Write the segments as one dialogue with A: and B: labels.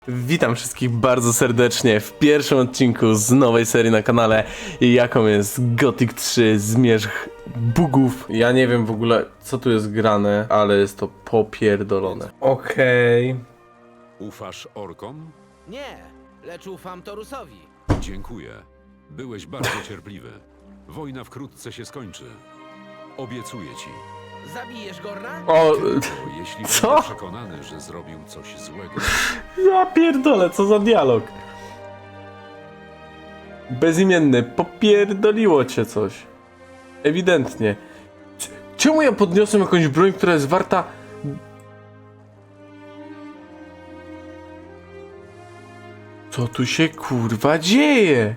A: Witam wszystkich bardzo serdecznie w pierwszym odcinku z nowej serii na kanale, jaką jest Gothic 3 Zmierzch Bugów. Ja nie wiem w ogóle co tu jest grane, ale jest to popierdolone. Okej.
B: Ufasz orkom?
C: Nie, lecz ufam Torusowi.
B: Dziękuję. Byłeś bardzo cierpliwy. Wojna wkrótce się skończy. Obiecuję ci.
C: Zabijesz Gorna?
A: O,
B: Bo jeśli
A: Co?
B: będę przekonany, że zrobił coś złego,
A: ja pierdolę, co za dialog. Bezimienny, popierdoliło cię coś. Ewidentnie. Czemu ja podniosłem jakąś broń, która jest warta... Co tu się kurwa dzieje?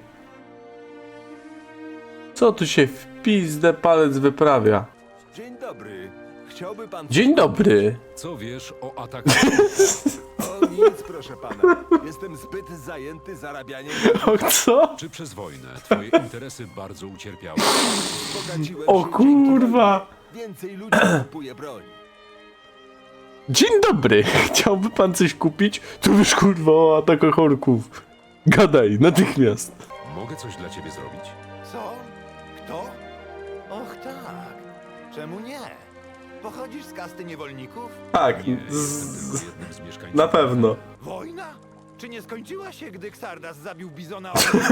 A: Co tu się w pizdę palec wyprawia?
D: Dzień dobry. Chciałby pan...
A: Dzień dobry.
B: co wiesz o atakach?
D: O nic, proszę pana. Jestem zbyt zajęty zarabianiem.
A: O co?
B: Czy przez wojnę twoje interesy bardzo ucierpiały?
D: Bogaciłem
A: O
D: się
A: kurwa.
D: dzięki wojnie. Więcej ludzi kupuje broń.
A: Dzień dobry. Chciałby pan coś kupić? Tu wiesz kurwa o atakach orków. Gadaj, natychmiast.
B: Mogę coś dla ciebie zrobić?
D: Co? Kto? Och tak. Czemu nie? Pochodzisz z kasty niewolników?
A: Tak,
B: Nie, jestem tylko jednym z mieszkańców.
A: na pewno.
D: Wojna? Czy nie skończyła się, gdy Xardas zabił Bizona?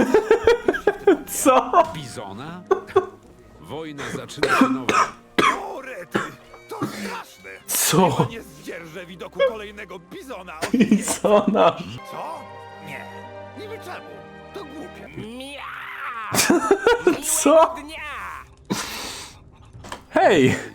A: Co?
B: Bizona? Wojna zaczyna się nowa.
D: O rety! To straszne!
A: Co?
D: Nie zdzierżę widoku kolejnego Bizona!
A: I co na...
D: Co? Nie. Niby czemu? To głupie.
A: Co? Hej!